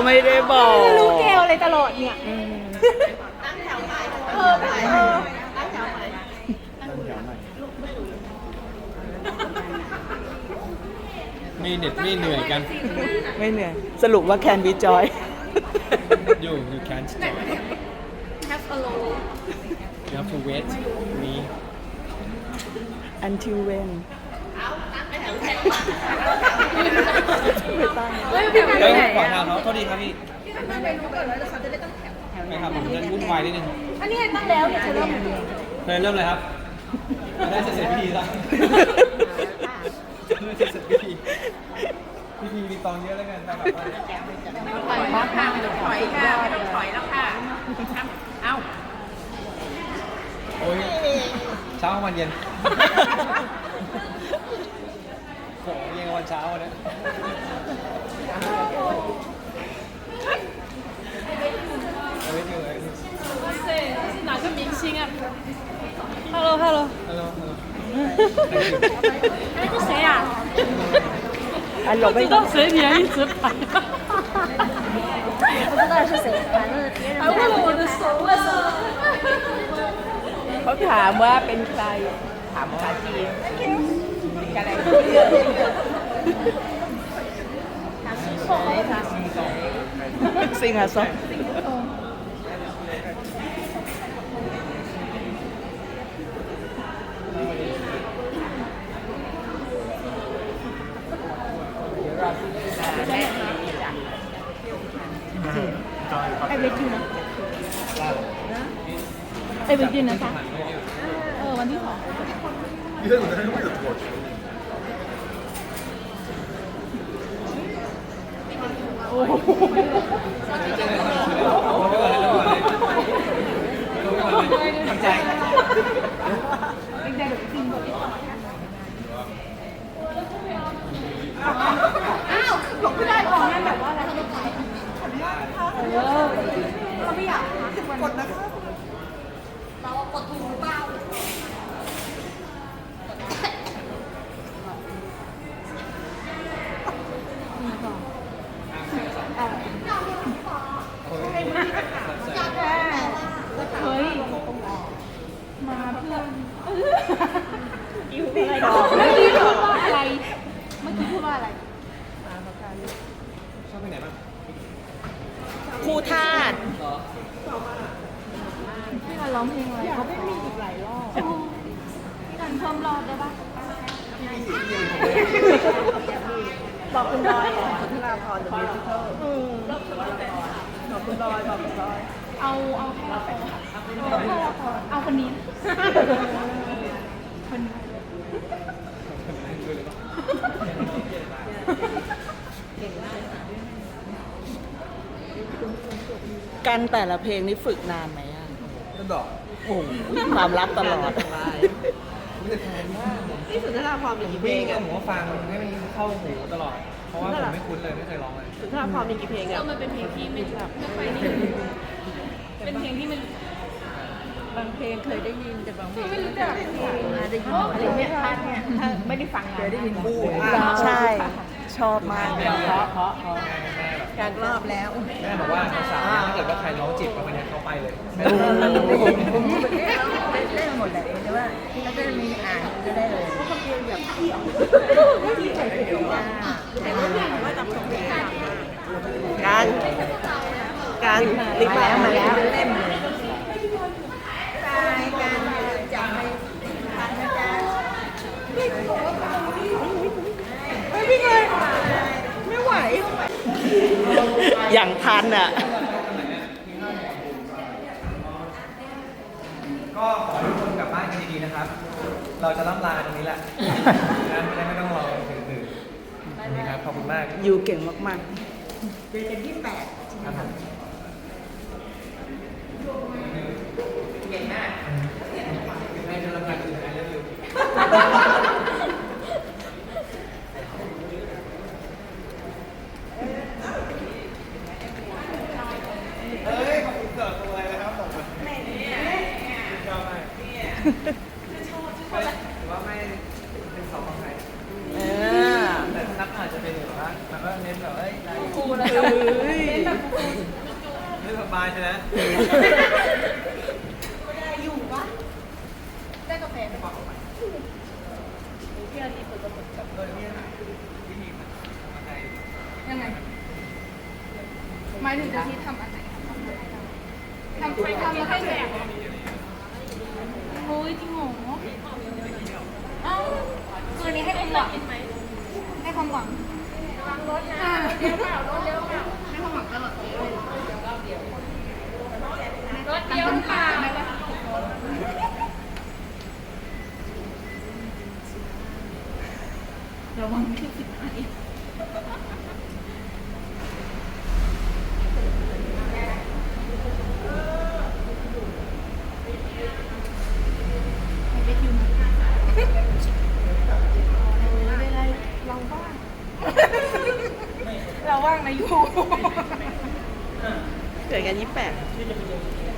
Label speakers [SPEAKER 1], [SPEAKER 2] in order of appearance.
[SPEAKER 1] ไม่ได้บอก
[SPEAKER 2] รู้เกลเลยตลอดเนี่ยเออ
[SPEAKER 3] ไม่เหน็ดไม่เหนื่อยกัน
[SPEAKER 1] ไม่เหนื่อยสรุปว่า can be joy
[SPEAKER 3] อยู่ you can't stop you have to wait me
[SPEAKER 1] until when
[SPEAKER 3] เฮ้ยขอทางเขาโทษดีครับพี่ไม่ครับผมจะวุ่นวายนิดนึง
[SPEAKER 2] อันนี้ตั้งแล้วเนี่ยจะเริ่ม
[SPEAKER 3] เริ่มเลยครับได้เสร็จพิธีแล้วเสร็จพิธีมีตองเยอะแล้วกันไปแบบว่า
[SPEAKER 4] ถอยแล้วค่ะไม่ต้องถอยค่ะไม่ต้องถอยแล้วค่ะเอ้า
[SPEAKER 3] โอ้ยเช้าวันเย็นโหเย็นวันเช้าเนี่ยเอาไว้ดูเลย
[SPEAKER 4] 哇塞，这是哪个明星啊？Hello Hello，
[SPEAKER 3] ฮัลโหล
[SPEAKER 4] 哎，这谁呀？
[SPEAKER 1] อันหลบ
[SPEAKER 4] 不
[SPEAKER 1] ไม่
[SPEAKER 4] 知道谁脸一直拍，
[SPEAKER 2] 不知道是谁，反正别人
[SPEAKER 4] 还握了我的手啊！
[SPEAKER 1] เขาถามว่าเป็นใครถามภาษาจีนอะไรซิงอ่ะซอ
[SPEAKER 2] ไอเวทีนะไอเวทีนะจ๊ะวันที่2
[SPEAKER 5] 你在有的人为了多少钱？
[SPEAKER 3] ทำใจ
[SPEAKER 2] เฮ้ยมาเพื่อนอยู่อะไรเมื่อกี้พูดว่าอะไรเมื่อกี้พูดว่าอะไร
[SPEAKER 3] ชอบไปไหนบ้าง
[SPEAKER 1] คู่ธาตุ
[SPEAKER 2] พี่การร้องเพลงอะไรเขาไม่มีอีกหลายรอบพี่การเพิ่มรอบได้ปะบอกคุณบอยสุนทราพรเดอะมิวสิคลบอกคุณบอยบอกคุณบอยเอาแค่ละครเอาคนนี้คนนี้
[SPEAKER 1] กันแต่ละเพลงนี้ฝึกนานไหมอ่ะ
[SPEAKER 3] ก็ดอก
[SPEAKER 1] โอ้โหความลับตลอด
[SPEAKER 3] ไม่ได้แทนมากนี่สุนทรภพมีกี่เพลงอ่ะผมก็ฟังให้มันเข้าหูตลอด เพราะว่าผมไม่คุ้นเลยไม่เคยร้องเลย
[SPEAKER 4] สุนทรภพมีกี่เพลงอ่ะมันเป็นเพลงที่ไม่แบบไม่ค่อยนี่เป็นเพลงที่มัน
[SPEAKER 2] บางเพลงเคยได้ยินแต่บางเพลง
[SPEAKER 4] ไม่รู้จัก
[SPEAKER 2] ได้ยินอะไรเนี่ยท่านเนี่ยถ้าไม่ได้ฟังเคยได้ยินบู๊
[SPEAKER 1] ใช่ ชอบมากเลย
[SPEAKER 2] การรอบแล้ว
[SPEAKER 3] แม่บอกว่าภาษาถ้าเกิดว่าใครร้องจีบก็ไม่ได้เข้าไปเลย
[SPEAKER 2] เล่นหมดแหละแต่ว่าถ้าจะมีอ่านจะได้เลยเพราะเขาเพลงแบบ
[SPEAKER 1] การรีบมาแล้วมาแล้ว อย่างทันอ่ะ
[SPEAKER 3] ก็ขอให้ทุกคนกลับบ้านกันดีๆนะครับ เราจะล่ำลากันตรงนี้แหละนะไม่ต้องรอถึงตื่นนี่ครับขอบคุณมาก
[SPEAKER 1] อยู่เก่งมาก
[SPEAKER 2] เจอกันที่8
[SPEAKER 3] ครับผมเก่งมากให้กำลังใจคือไอเลิฟยูเฮ้ยขอบคุณเกิดตัวอะไรนะครับผมชอบมากหรือว่าไม่เป็นสองของใคร
[SPEAKER 1] ๆ
[SPEAKER 3] แต่นับอาจจะเป็นแบบว่ามันก็เน้นแบบเอ้ย
[SPEAKER 4] กูนะ
[SPEAKER 1] เฮ้ย
[SPEAKER 3] บายใช่ไหม
[SPEAKER 2] อยู่ปะได้กาแฟไหมบอก
[SPEAKER 1] พี่อาทิตย์เปิดกระปุกกับ
[SPEAKER 3] วิธีมันไง
[SPEAKER 2] ยังไงหมายถึงจะที่ทำอันไหนทำมาให้แจกโอ้ยจริงเหรอเอ้าคืนนี้ให้ความหวังให้ความหวังระวังรถนะเดี๋ยวเปล่ารถเดี๋ยวเปล่าให้ความหวังตลอดรถเดียวเปล่าระวังไม่ผิดไหมไปคิวมาไม่เป็นไรเราว่างเราว่างนะยู
[SPEAKER 1] เกิดกัน28